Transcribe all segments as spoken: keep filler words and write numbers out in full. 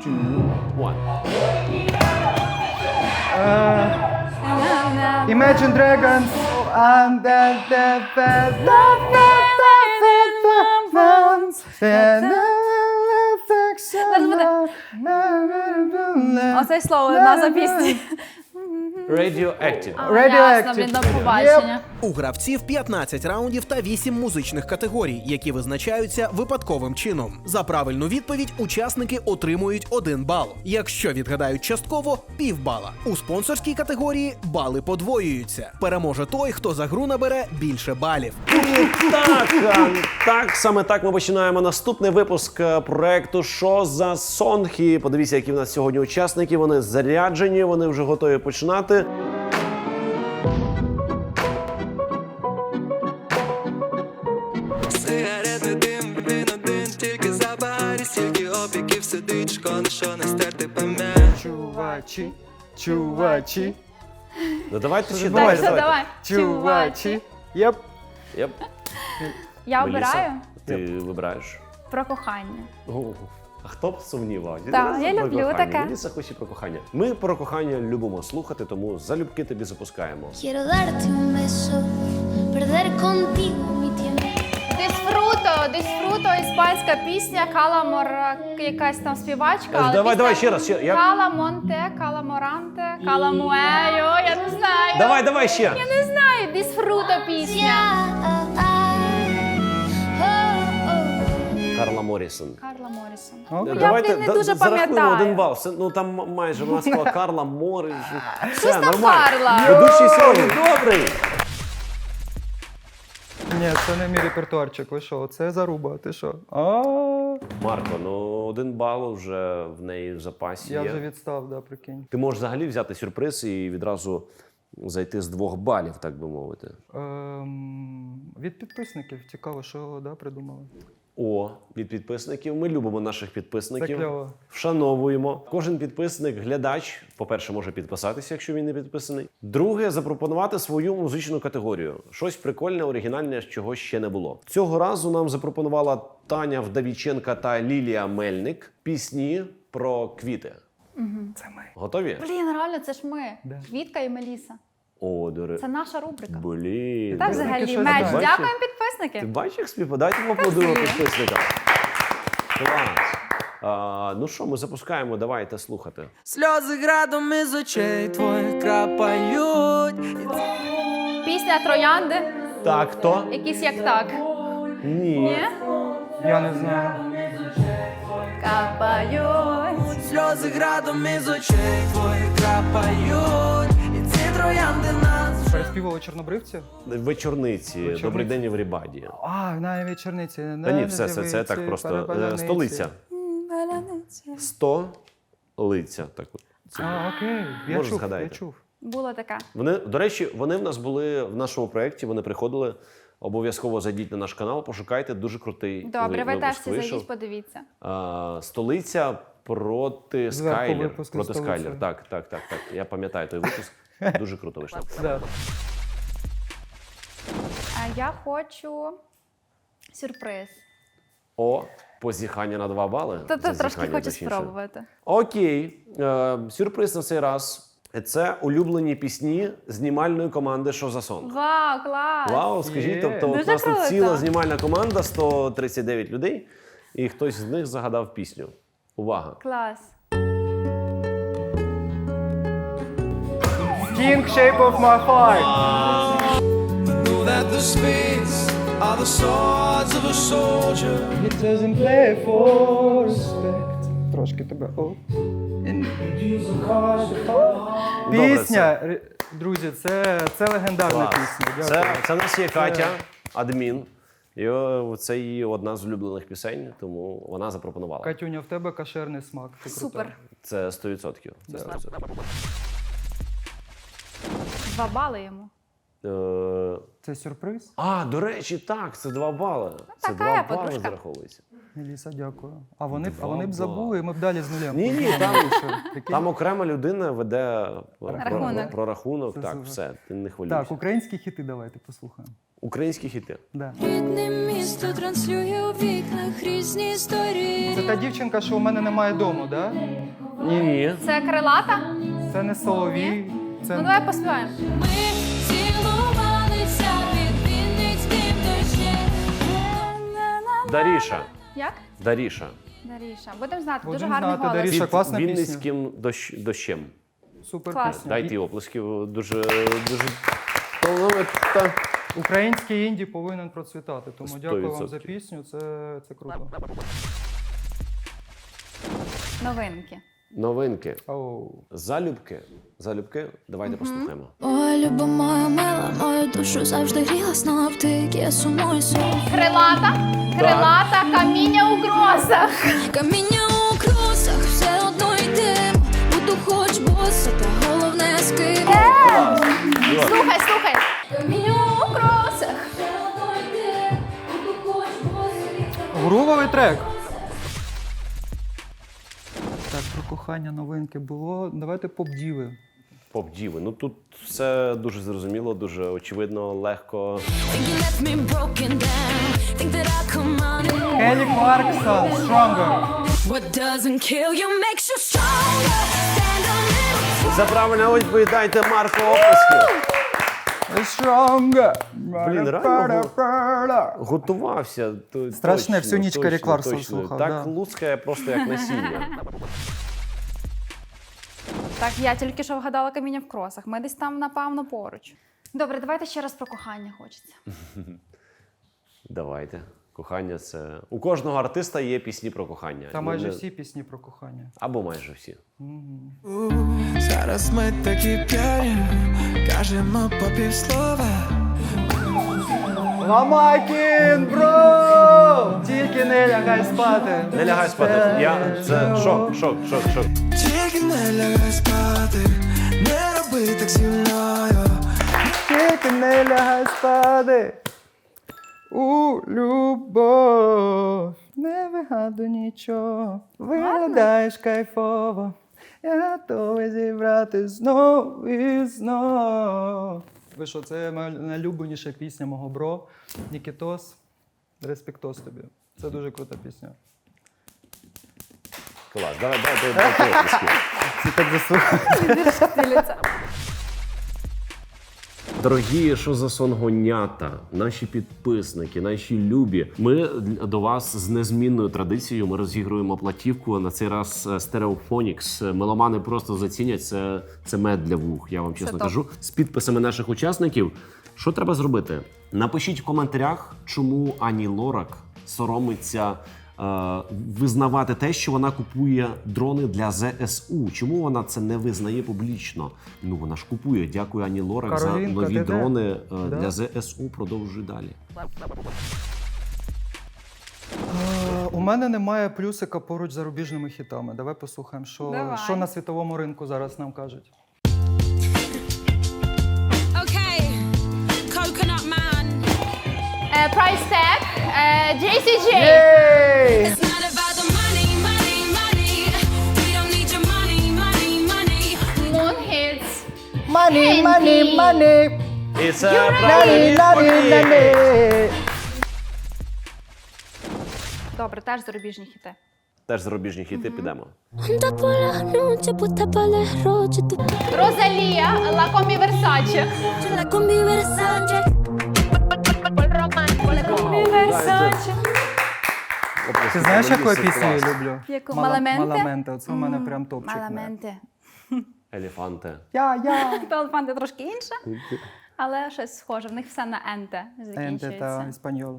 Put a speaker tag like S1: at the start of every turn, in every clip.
S1: two, one.
S2: Imagine Dragons and the the the
S3: Оце слово, назва пісні.
S1: Radioactive.
S3: Ясно, блін, до побачення.
S4: У гравців п'ятнадцять раундів та вісім музичних категорій, які визначаються випадковим чином. За правильну відповідь учасники отримують один бал. Якщо відгадають частково – півбала. У спонсорській категорії бали подвоюються. Переможе той, хто за гру набере більше балів.
S1: Так, а, так, саме так ми починаємо наступний випуск е, проекту «Що за сонг?» І подивіться, які в нас сьогодні учасники. Вони заряджені, вони вже готові починати.
S5: Сигарети, дим, він один, тільки забарі, стільки опіків сидить, шкода, що не стерти пам'ять.
S2: Чувачі, чувачі,
S1: Ну давайте ще
S3: Так,
S1: давайте,
S3: все,
S1: давайте.
S3: давай.
S2: чувачі. Єп.
S1: Єп.
S3: Я
S1: Меліса,
S3: обираю
S1: Ти вибираєш.
S3: про кохання.
S1: О, а хто б сумнівав?
S3: Так, я
S1: про
S3: люблю
S1: кохання.
S3: таке.
S1: Меліса хоче про кохання. Ми про кохання любимо слухати, тому залюбки тобі запускаємо.
S6: Quiero darte un beso, perder contigo mi tiempo.
S3: Дисфруто, дисфруто, іспанська пісня, Каламор, якась там співачка.
S1: Давай,
S3: але
S1: давай,
S3: пісня
S1: ще раз, ще- як?
S3: Каламонте, Каламоранте, Каламуеyo, я не знаю.
S1: Давай, давай ще.
S3: Я не знаю, дисфруто пісня.
S6: Ah, ah, oh, oh.
S1: Карла Моррісон.
S3: Карла Моррісон.
S2: Окей.
S3: Ну,
S1: Давайте
S3: я, блін, не
S1: да-
S3: дуже
S1: зарахуємо
S3: пам'ятаю.
S1: один бал. Все, ну там м- майже вона сказала Карла Моррісон. Все,
S3: там
S1: нормально.
S3: Карла?
S1: Ведучий сьогодні добрий.
S2: Ні, це не мій репертуарчик. Ви що? Це заруба. Ти що? А,
S1: Марко, ну один бал вже в неї в запасі
S2: я
S1: є.
S2: вже відстав, да, прикинь.
S1: Ти можеш взагалі взяти сюрприз і відразу зайти з двох балів, так би мовити.
S2: Ем, від підписників цікаво, що да, придумали.
S1: О, від підписників. Ми любимо наших
S2: Це
S1: підписників.
S2: кльово.
S1: Вшановуємо. Кожен підписник, глядач, по-перше, може підписатися, якщо він не підписаний. Друге, запропонувати свою музичну категорію. Щось прикольне, оригінальне, чого ще не було. Цього разу нам запропонувала Таня Вдовіченка та Лілія Мельник пісні про квіти.
S2: Це ми.
S1: Готові?
S3: Блін, реально, це ж ми.
S2: Да.
S3: Квітка і Меліса.
S1: О, до
S3: Це наша рубрика.
S1: Блін.
S3: Так,
S2: Підписники
S3: взагалі,
S2: щось
S3: меч.
S2: знають.
S3: Дякуємо
S1: Ти
S3: підписники.
S1: бачиш, як співпадає? Давайте поаплодуємо підписникам. Клас. А, ну що, ми запускаємо, давайте слухати.
S5: Сльози градом із очей твоїх крапають.
S3: Пісня Троянди.
S1: Так, хто?
S3: Якісь як так.
S1: Ні.
S3: Ні?
S2: Я не знаю.
S3: Капають.
S5: Сльози градом із очей твоїх крапають. І ці троянди нас
S2: Переспівали чорнобривці?
S1: Вечорниці.
S2: Вечорниці.
S1: Добрий день, Еврібаді.
S2: А, навіть вечорниці.
S1: Та ні, все, все, це так просто. Е, Столиця. Столиця. Так, от. Це.
S2: А, окей. Я
S1: Може,
S2: чув,
S1: згадаєте.
S2: я чув.
S3: Було таке.
S1: Вони, до речі, вони в нас були в нашому проєкті, вони приходили. Обов'язково зайдіть на наш канал, пошукайте, дуже крутий
S3: Добре, ви
S1: випуск
S3: теж всі
S1: вийшов.
S3: зайдіть, подивіться.
S1: А, столиця проти
S2: Зверху
S1: Скайлер.
S2: випуск
S1: Проти
S2: «Столиця».
S1: Скайлер. Так, так, так, так. Я пам'ятаю той випуск. Дуже круто вийшло.
S2: Да.
S3: А я хочу сюрприз.
S1: О, позіхання на два бали.
S3: Та то трошки
S1: Зазіхання,
S3: хочу
S1: точніше.
S3: спробувати.
S1: Окей. Е, сюрприз на цей раз. Це улюблені пісні знімальної команди «Що за сон».
S3: Вау, клас!
S1: Вау, скажіть,
S2: Є.
S1: тобто от
S3: Дуже
S1: у нас тут
S3: круто.
S1: ціла знімальна команда, сто тридцять дев'ять людей, і хтось з них загадав пісню. Увага.
S3: Клас.
S2: King Shape of My Heart.
S5: know that the spades are the swords of a soldier.
S2: It doesn't play for respect. Трошки тебе. О. Пісня, ре- друзі, це, це легендарна
S1: Клас.
S2: пісня.
S1: Це,
S2: Дякую.
S1: це в нас є Катя, адмін. І о, це її одна з улюблених пісень, тому вона запропонувала.
S2: Катюня, в тебе кашерний смак. Ти крута.
S3: Супер.
S1: Це сто відсотків. Це сто відсотків.
S3: Два бали йому.
S1: Е,
S2: Це сюрприз?
S1: А, до речі, так, це два бали. Це
S3: така
S1: два
S3: я
S1: бали
S3: подружка.
S1: зараховується.
S2: Еліса, дякую. А вони, б- а
S1: Два
S2: вони б забули,
S1: бали.
S2: і ми б далі з нулем.
S1: Ні, ні,
S2: подумали,
S1: там-
S2: що, прикинь?
S1: Там окрема людина веде про,
S3: Рахунок.
S1: про рахунок.
S2: Це
S1: Так,
S2: супер.
S1: все, ти не хвилюйся.
S2: Так, українські хіти давайте послухаємо.
S1: Українські хіти.
S2: Да.
S6: Рідне місто транслює у вікнах різні історії.
S2: Це та дівчинка, що у мене немає дому, да?
S1: Ні, ні.
S3: Це крилата?
S2: Це не Соловій. Це...
S3: Ну давай поспіваємо.
S6: Ми цілувалися під Вінницьким дощем.
S1: Даріша.
S3: Як?
S1: Даріша.
S3: Даріша. Будемо знати, дуже
S2: Будемо
S3: гарний
S2: знати,
S3: голос.
S2: Даріша.
S1: Під
S2: класна пісня.
S1: Вінницьким дощ, дощем.
S2: Супер
S3: Клас.
S2: пісня.
S1: Дайте
S2: І-
S1: оплесків. Дуже, дуже талановита.
S2: Український інді повинен процвітати. Тому
S1: Сто
S2: дякую вам за
S1: відсотків.
S2: пісню. Це, це круто.
S3: Новинки.
S1: Новинки.
S2: Оу.
S1: Залюбки. Залюбки. Давайте послухаємо.
S6: Ой, люба моя мила, мою душу завжди гріла сном ти, я сумую сон.
S3: Крилата. Крилата, каміння у грозах.
S6: Каміння у кросах, все одно йдем. Буду хоч боса, та головне з ким.
S3: Слухай, слухай.
S6: Каміння у кросах, все одно йдем. Буду хоч боса.
S2: Грувовий трек. Так, про кохання новинки було. Давайте поп-діви.
S1: Поп-діви. Ну тут все дуже зрозуміло, дуже очевидно, легко.
S6: Think you left me broken down. Think that I come running.
S2: Келі Кларксон, Stronger.
S6: What doesn't kill you makes you stronger. Stand on it.
S1: За правильну відповідь дайте Марку оплесків.
S2: Stronger.
S1: Блін, реально Готувався. то-
S2: Страшне,
S1: точно,
S2: всю ніч
S1: точно,
S2: Келі Кларксон
S1: точно.
S2: слухав,
S1: Так
S2: да.
S1: лускає просто як насіння.
S3: Так, я тільки що вгадала каміння в кросах. Ми десь там, напевно, поруч. Добре, давайте ще раз про кохання хочеться.
S1: Давайте. Кохання це. У кожного артиста є пісні про кохання.
S2: Та
S1: Ну,
S2: майже
S1: не-
S2: всі пісні про кохання.
S1: Або майже всі.
S5: Зараз ми такі п'яні, кажемо по півслова.
S2: Ламакін, бро! Тільки не лягай спати.
S1: Не лягай спати. Я... Це шок, шок, шок, шок.
S5: Тільки не лягай спати, не роби так зі мною.
S2: Тільки не лягай спати. У любов. Не вигадуй нічого. Виглядаєш кайфово. Я готовий зібрати знов і знов. Ви що, це моя найлюбленіша пісня мого бро. Нікітос. Респектос тобі. Це дуже крута пісня.
S1: Клас. Давай, давай, давай, давай оплески.
S2: Всі так заслухали.
S1: Дорогі, що за сонгонята, наші підписники, наші любі. Ми до вас з незмінною традицією. Ми розігруємо платівку. На цей раз Стереофонікс. Меломани просто зацінять. Це, це мед для вух, я вам чесно
S3: топ.
S1: кажу. З підписами наших учасників. Що треба зробити? Напишіть в коментарях, чому Ані Лорак соромиться е, визнавати те, що вона купує дрони для зе ес у. Чому вона це не визнає публічно? Ну вона ж купує. Дякую Ані Лорак за
S2: Каролінка,
S1: нові
S2: ти де?
S1: дрони е,
S2: Да.
S1: для зе ес у. Продовжуй далі.
S2: Е, У мене немає плюсика поруч з зарубіжними хітами. Давай послухаємо, що,
S3: Давай.
S2: що на світовому ринку зараз нам кажуть.
S7: Okay, Coconut Man.
S3: Е, Price Tag, е, джей сі джей.
S7: It's not about the money, money, money. We don't need your money, money, money.
S3: Moon Hits.
S2: Money,
S3: money,
S2: money,
S1: І це правильна відповідь.
S3: Добре, теж зарубіжні хіти.
S1: Теж зарубіжні хіти підемо.
S6: Anda por la noche, puesta para el roche. Tú
S3: Розалія, La Combi Versace.
S6: la combi Versace.
S3: Versace.
S2: Ти знаєш, яку я пісню я люблю?
S3: Яку?
S2: Мала-
S3: Маламенте?
S2: Маламенте. Оце в мене прям топчик.
S3: Маламенти.
S1: Елефанте.
S2: Я, я.
S3: Талфанти трошки інше, але щось схоже. В них все на енте
S2: Енте та
S3: закінчується.
S2: Іспаньол.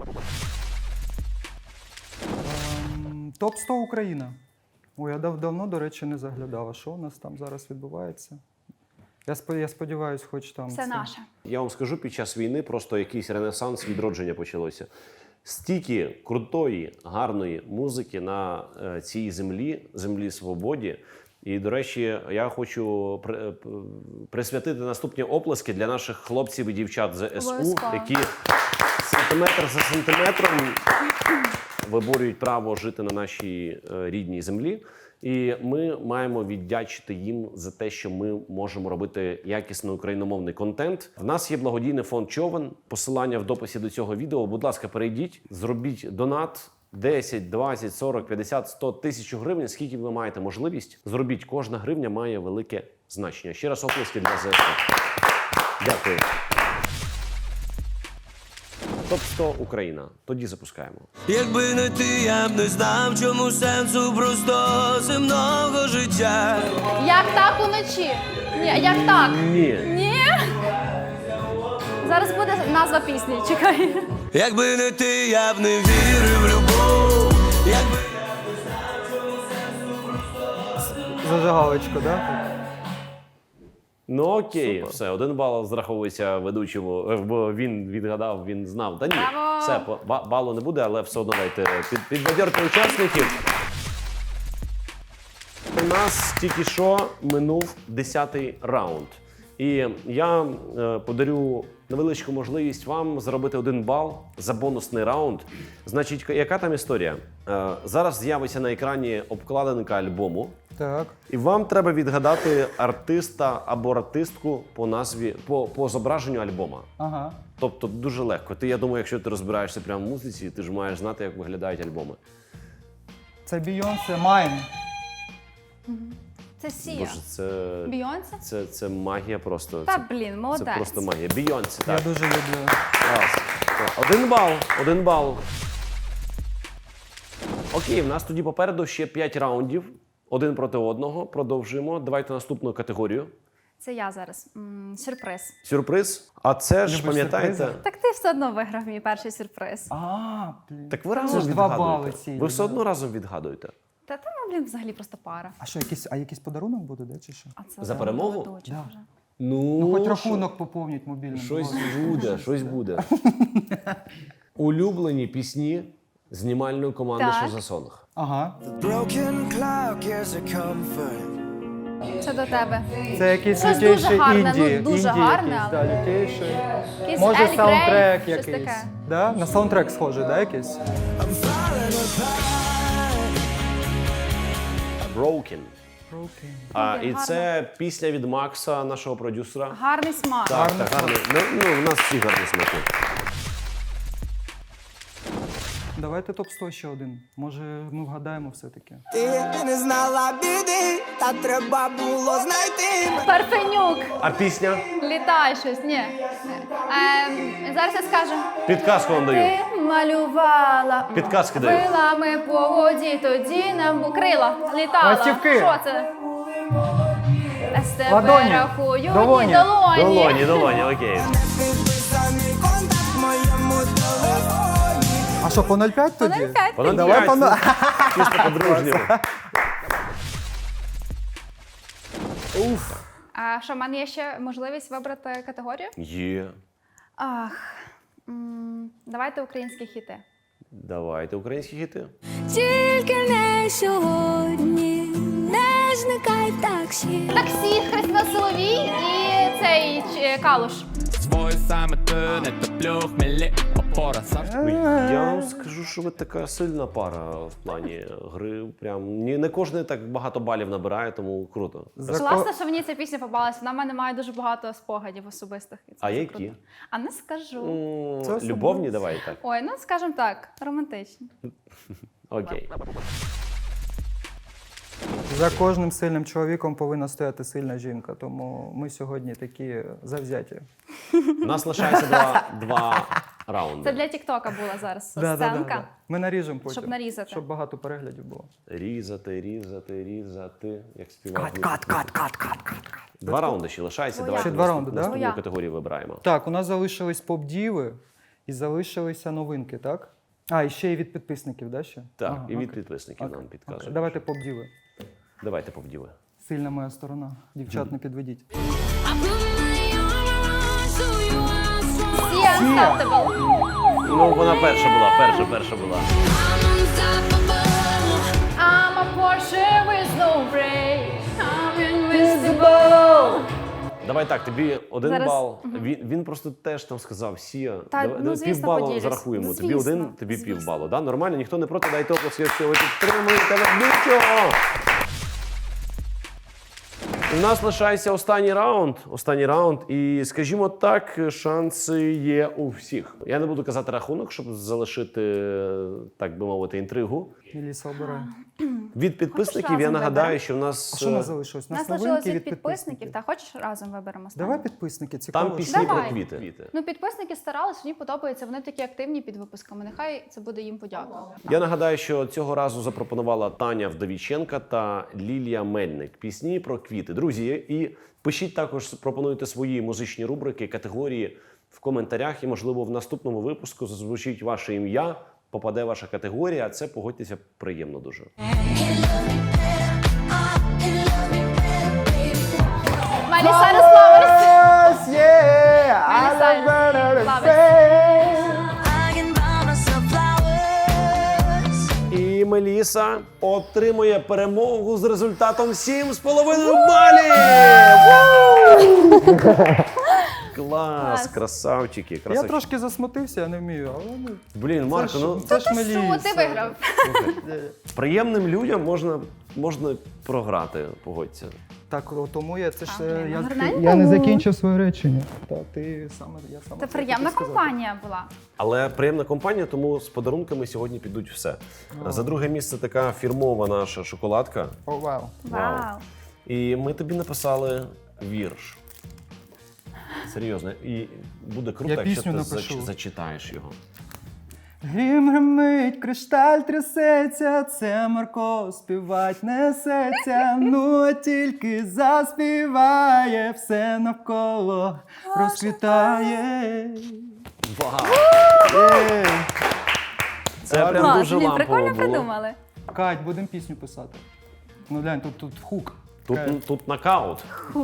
S2: Ем, топ сто Україна. Ой, я дав давно, до речі, не заглядав. А що у нас там зараз відбувається? Я, спо- я сподіваюся, хоч там.
S3: Все
S2: це-
S3: наше.
S1: Я вам скажу, під час війни просто якийсь ренесанс, відродження почалося. Стільки крутої, гарної музики на е, цій землі, землі свободі. І, до речі, я хочу при- п- присвятити наступні оплески для наших хлопців і дівчат з ес у,
S3: Обов'язково.
S1: які сантиметр за сантиметром виборюють право жити на нашій е, рідній землі. І ми маємо віддячити їм за те, що ми можемо робити якісний україномовний контент. В нас є благодійний фонд Човен. Посилання в дописі до цього відео. Будь ласка, перейдіть, зробіть донат. десять, двадцять, сорок, п'ятдесят, сто, тисячу гривень, скільки ви маєте можливість, зробіть. Кожна гривня має велике значення. Ще раз оплески для зе ес у. Дякую. топ сто Україна. Тоді запускаємо.
S5: Якби не ти, я б не знав, чому сенсу просто земного життя.
S3: Як так уночі? Ні, як так?
S1: Ні.
S3: Ні? Зараз буде назва пісні, чекай.
S5: Якби не ти, я б не вірив в любов. Якби
S2: Зажигалочку, да?
S1: Ну окей, все, один бал зраховується ведучому, е, бо він відгадав, він знав. Та ні,
S3: Браво!
S1: все, по- ба- балу не буде, але все одно дайте під, підбадьорте учасників. У нас тільки що минув десятий раунд. І я е, подарю невеличку можливість вам заробити один бал за бонусний раунд. Значить, яка там історія? Е, зараз з'явиться на екрані обкладинка альбому.
S2: Так.
S1: І вам треба відгадати артиста або артистку по назві, по, по зображенню альбома.
S2: Ага.
S1: Тобто дуже легко. Ти, я думаю, якщо ти розбираєшся прямо в музиці, ти ж маєш знати, як виглядають альбоми.
S2: Це Бейонсе, Майн.
S3: Це Сія.
S1: Боже, це,
S3: Бійонсе?
S1: це, це магія просто.
S3: Та
S1: Це,
S3: блін, молодець.
S1: це просто магія. Бійонсе,
S2: Я
S1: так.
S2: дуже люблю.
S1: Клас. Так, Один бал, один бал. Окей, в нас тоді попереду ще п'ять раундів. Один проти одного. Продовжуємо. Давайте наступну категорію.
S3: Це я зараз. М, сюрприз.
S1: Сюрприз. А це ж,
S2: Любиш
S1: пам'ятаєте,
S2: сюрпризи?
S3: Так ти все одно виграв мій перший сюрприз.
S2: А, блін.
S1: так ви
S2: Це
S1: разом
S2: ж два
S1: відгадуєте.
S2: бали ці.
S1: Ви все одно разом відгадуєте.
S3: Та там, блін, взагалі просто пара.
S2: А що, якийсь, а якийсь подарунок буде, да, чи що?
S3: А це
S1: За перемогу?
S3: ведуча
S2: Да.
S3: вже.
S1: Ну,
S2: Ну, хоч
S1: що?
S2: рахунок поповніть мобільним.
S1: Щось
S2: Боже.
S1: буде, щось буде. Улюблені пісні знімальної команди
S3: Так.
S1: «Що за сонг».
S2: Ага.
S3: Це до тебе.
S2: Це якийсь
S3: Щось дуже
S2: лютейший
S3: гарне, ну,
S2: інді.
S3: дуже
S2: інді
S3: гарне,
S2: якийсь,
S3: але-
S2: да, лютейший.
S3: Якийсь
S2: Може,
S3: Ель
S2: саундтрек
S3: Грей, щось
S2: якийсь.
S3: таке.
S2: Да? На саундтрек схожий, да, якийсь?
S1: «Broken».
S2: Окей.
S1: А,
S3: Дуже
S1: і
S3: гарно.
S1: це пісня від Макса, нашого продюсера.
S3: Гарний смак.
S1: Так,
S2: Гарний
S1: так, гарний. Ну, ну, у нас всі гарні смаки.
S2: Давайте топ сто ще один. Може, ми вгадаємо все-таки.
S8: Ти не знала біди, та треба було знайти.
S3: Парфенюк.
S1: А пісня?
S3: Літай щось. Ні. Ем, зараз я скажу.
S1: Підказку вам даю.
S3: Ти малювала
S1: Підказки даю.
S3: крилами по воді, тоді нам бу- крила літала.
S2: Ластівки.
S3: Що це? З тебе
S2: Ладоні.
S3: рахую
S2: Долоні.
S3: ні, долоні.
S1: Долоні, долоні, окей.
S8: Підписаний контакт в моєму телефоні.
S2: А що, по нуль п'ять
S3: По
S2: тоді?
S3: нуль п'ять.
S1: По нуль
S2: Давай
S1: п'ять,
S2: по нуль.
S1: чисто по-дружньому. Уф.
S3: А що, в мене є ще можливість вибрати категорію?
S1: Є.
S3: Ах, м, давайте українські хіти.
S1: Давайте українські хіти.
S6: Тільки не сьогодні, не зникай в таксі.
S3: Таксі, Христина Соловій і цей ч- Калуш.
S9: Свой саме ти не топлю хмелі опора
S1: Ну, я вам скажу, що ви така сильна пара в плані гри. Прям ні, не кожен так багато балів набирає, тому круто.
S2: За
S3: Класно,
S2: ко-
S3: що мені ця пісня попалася. Вона в мене має дуже багато спогадів особистих. І це
S1: А
S3: дуже
S1: які?
S3: круто. А не скажу.
S1: М,
S2: Це особливо.
S1: Любовні, давай так.
S3: Ой, ну скажімо так, романтичні.
S1: Окей.
S2: За кожним сильним чоловіком повинна стояти сильна жінка, тому ми сьогодні такі завзяті.
S1: У нас лишається два, два раунди.
S3: Це для Тіктока була зараз
S2: Да, да, да,
S3: сценка.
S2: да. Ми наріжемо потім.
S3: Щоб нарізати.
S2: Щоб багато переглядів було.
S1: Різати, різати, різати. Як співати.
S2: кат, кат, кат, кат, кат.
S1: Два раунди ще лишається.
S3: Твоя.
S1: Давайте
S2: Ще два
S1: наступ-
S2: раунди, да?
S1: наступну
S3: Твоя.
S1: категорію вибираємо.
S2: Так, у нас залишились поп-діви і залишилися новинки, так? А, і ще й від підписників, да, ще?
S1: Так,
S2: Ага,
S1: і від
S2: окей.
S1: підписників
S2: Окей,
S1: нам підказують.
S2: окей. Давайте поп-діви.
S1: Давайте повділи.
S2: Сильна моя сторона. Дівчат, не підведіть.
S3: Всі Unstoppable.
S1: Ну, вона перша була, перша, перша була.
S3: I'm a Porsche with no brakes. Футбол!
S1: Давай так, тобі один
S3: Зараз-
S1: бал. Він, він просто теж там сказав Сія.
S3: Та,
S1: давай,
S3: ну,
S1: давай
S3: звісно,
S1: півбалу
S3: поділюсь.
S1: зарахуємо.
S3: Ну,
S1: тобі
S3: звісно,
S1: один, тобі
S3: звісно.
S1: півбалу. Да? Нормально, ніхто не проти, дайте оплески, якщо ви підтримуєте ведучого. У нас лишається останній раунд. Останній раунд. І, скажімо так, шанси є у всіх. Я не буду казати рахунок, щоб залишити, так би мовити, інтригу.
S2: Меліса обирає.
S1: Від підписників
S3: разом
S1: я нагадаю,
S3: виберемо?
S1: що в нас
S2: А що у нас
S1: е,
S2: залишилось? У
S3: Нас
S2: нас
S3: лишилось
S2: новинки
S3: від
S2: від
S3: підписників. Та хочеш разом виберемо останнє?
S2: Давай підписники, цікаво.
S1: там пісні
S2: що-
S1: про
S3: Давай.
S1: квіти.
S3: Ну, підписники старались, мені подобається, вони такі активні під випусками. Нехай це буде їм подяка.
S1: Я нагадаю, що цього разу запропонувала Таня Вдовіченка та Лілія Мельник. Пісні про квіти. Друзі, і пишіть також, пропонуйте свої музичні рубрики, категорії в коментарях. І, можливо, в наступному випуску зазвучить ваше ім'я, попаде ваша категорія. А це, погодьтеся, приємно дуже.
S3: Miley Cyrus Flowers. Miley Cyrus Flowers.
S1: І Меліса отримує перемогу з результатом сім з половиною балів! Клас, красавчики,
S2: Я
S1: красавчики.
S2: трошки засмутився, я не вмію, але ну,
S1: Блін, Марко,
S2: це ж-
S1: ну
S2: це ж
S3: Та що,
S2: Меліса.
S3: ти виграв?
S1: приємним людям можна, можна програти, погодься.
S2: Так, о, тому я це ж
S3: А,
S2: е,
S3: блін,
S2: я,
S3: ну, гарненько.
S2: я не закінчив своє речення. Та ти саме я саме
S3: Це
S2: це
S3: приємна
S2: хотів сказати.
S3: компанія була.
S1: Але приємна компанія, тому з подарунками сьогодні підуть все. За друге місце така фірмова наша шоколадка.
S2: О, вау.
S3: Вау.
S1: І ми тобі написали вірш. Серйозно. І буде круто,
S2: Я
S1: якщо ти
S2: пісню
S1: зач-
S2: напишу.
S1: зачитаєш його.
S2: Грім гримить, кришталь трясеться, це Марко співать несеться, ну а тільки заспіває, все навколо розквітає.
S1: Вау!
S2: Єй!
S1: Це
S2: Клас,
S1: прям
S3: Клас,
S1: дуже
S3: блін,
S1: лампово
S3: прикольно
S1: було.
S3: придумали.
S2: Кать, будемо пісню писати. Ну глянь, тут, тут хук.
S1: Тут, тут нокаут.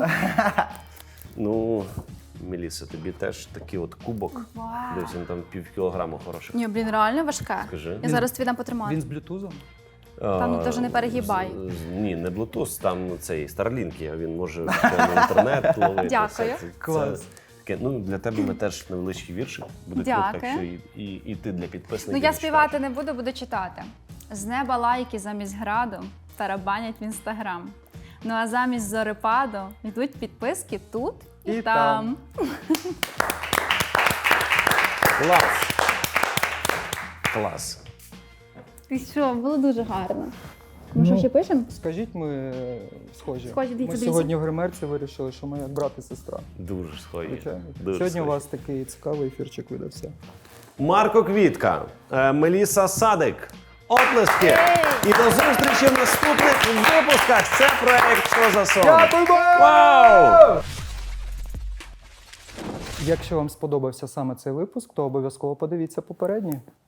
S1: Ну, Меліса, тобі теж такий от кубок.
S3: Вау.
S1: Десь він там пів кілограму хороших.
S3: Ні, блін, реально важке.
S1: Скажи.
S3: Я зараз тобі дам потримати.
S2: Він з блютузом?
S3: Там
S1: А,
S3: теж не перегибай.
S1: з- з- Ні, не Bluetooth, там цей Starlink є, він може прямо інтернет ловити.
S3: Дякую.
S1: все. Це-
S2: Клас.
S1: це таке, ну, для тебе ми теж невеличкий віршик. Буде круто,
S3: Дякую.
S1: якщо і, і, і ти для підписників.
S3: Ну я
S1: зачитаєш.
S3: співати не буду, буду читати. З неба лайки замість граду тарабанять в інстаграм. Ну а замість зорепаду йдуть підписки тут і,
S2: І
S3: там.
S2: там.
S1: Клас. Клас.
S3: Ти що, було дуже гарно. Ми що ще пишемо?
S2: Скажіть, ми е, схожі.
S3: Схожі, дивіться,
S2: Ми
S3: дивіться.
S2: сьогодні в гримерці вирішили, що ми як брат і сестра.
S1: Дуже схожі.
S2: Звичайно.
S1: Дуже
S2: Сьогодні у
S1: схожі.
S2: вас такий цікавий ефірчик видався.
S1: Марко Квітка, е, Меліса Садик. Оплески! І до зустрічі в наступних випусках. Це проект «Що за сон?». Вау!
S2: Якщо вам сподобався саме цей випуск, то обов'язково подивіться попередній.